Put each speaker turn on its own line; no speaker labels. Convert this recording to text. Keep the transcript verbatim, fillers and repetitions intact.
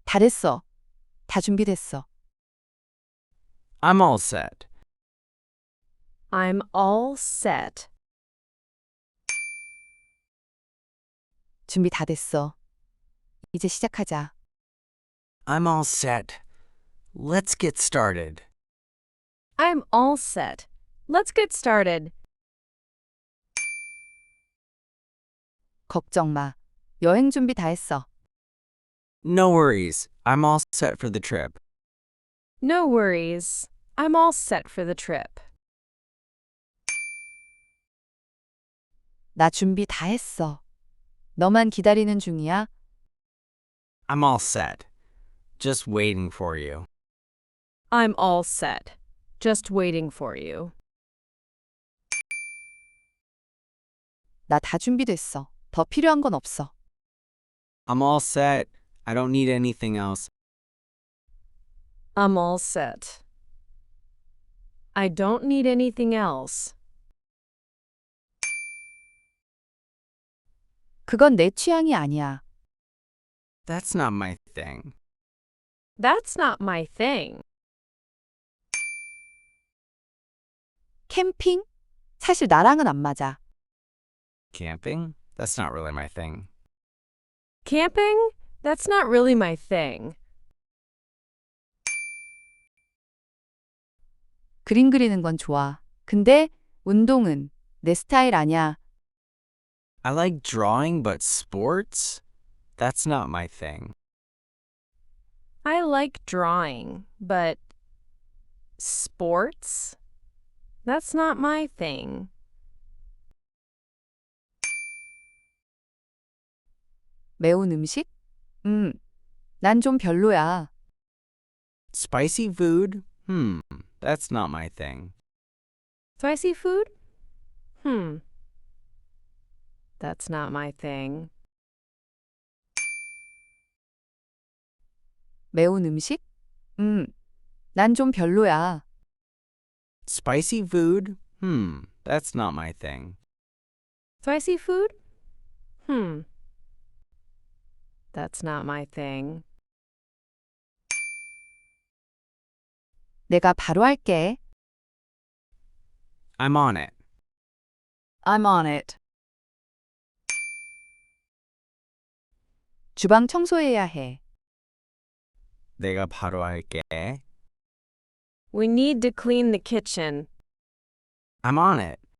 다 됐어. 다 준비됐어.
I'm all set.
I'm all set.
준비 다 됐어. 이제 시작하자.
I'm all set. Let's get started.
I'm all set. Let's get started.
걱정 마. 여행 준비 다 했어.
No worries. I'm all set for the trip.
No worries. I'm all set for the trip.
나 준비 다 했어. 너만 기다리는 중이야.
I'm all set. Just waiting for you.
I'm all set. Just waiting for you.
나 다 준비됐어. 더 필요한 건 없어.
I'm all set. I don't need anything else.
I'm all set. I don't need anything else.
그건 내 취향이 아니야.
That's not my thing.
That's not my thing.
캠핑? 사실 나랑은 안 맞아.
Camping? That's not really my thing.
Camping? That's not really my thing.
그림 그리는 건 좋아. 근데 운동은 내 스타일 아니야.
I like drawing, but sports? That's not my thing.
I like drawing, but sports? That's not my thing.
매운 음식? 음, 난 좀 별로야.
Spicy food? Hmm, that's not my thing.
Spicy food? Hmm. That's not my thing.
매운 음식? 음, 난 좀 별로야.
Spicy food? Hmm, that's not my thing.
Spicy food? Hmm. That's not my thing.
내가 바로 할게.
I'm on it.
I'm on it. 주방 청소해야 해.
내가 바로 할게.
We need to clean the kitchen.
I'm on it.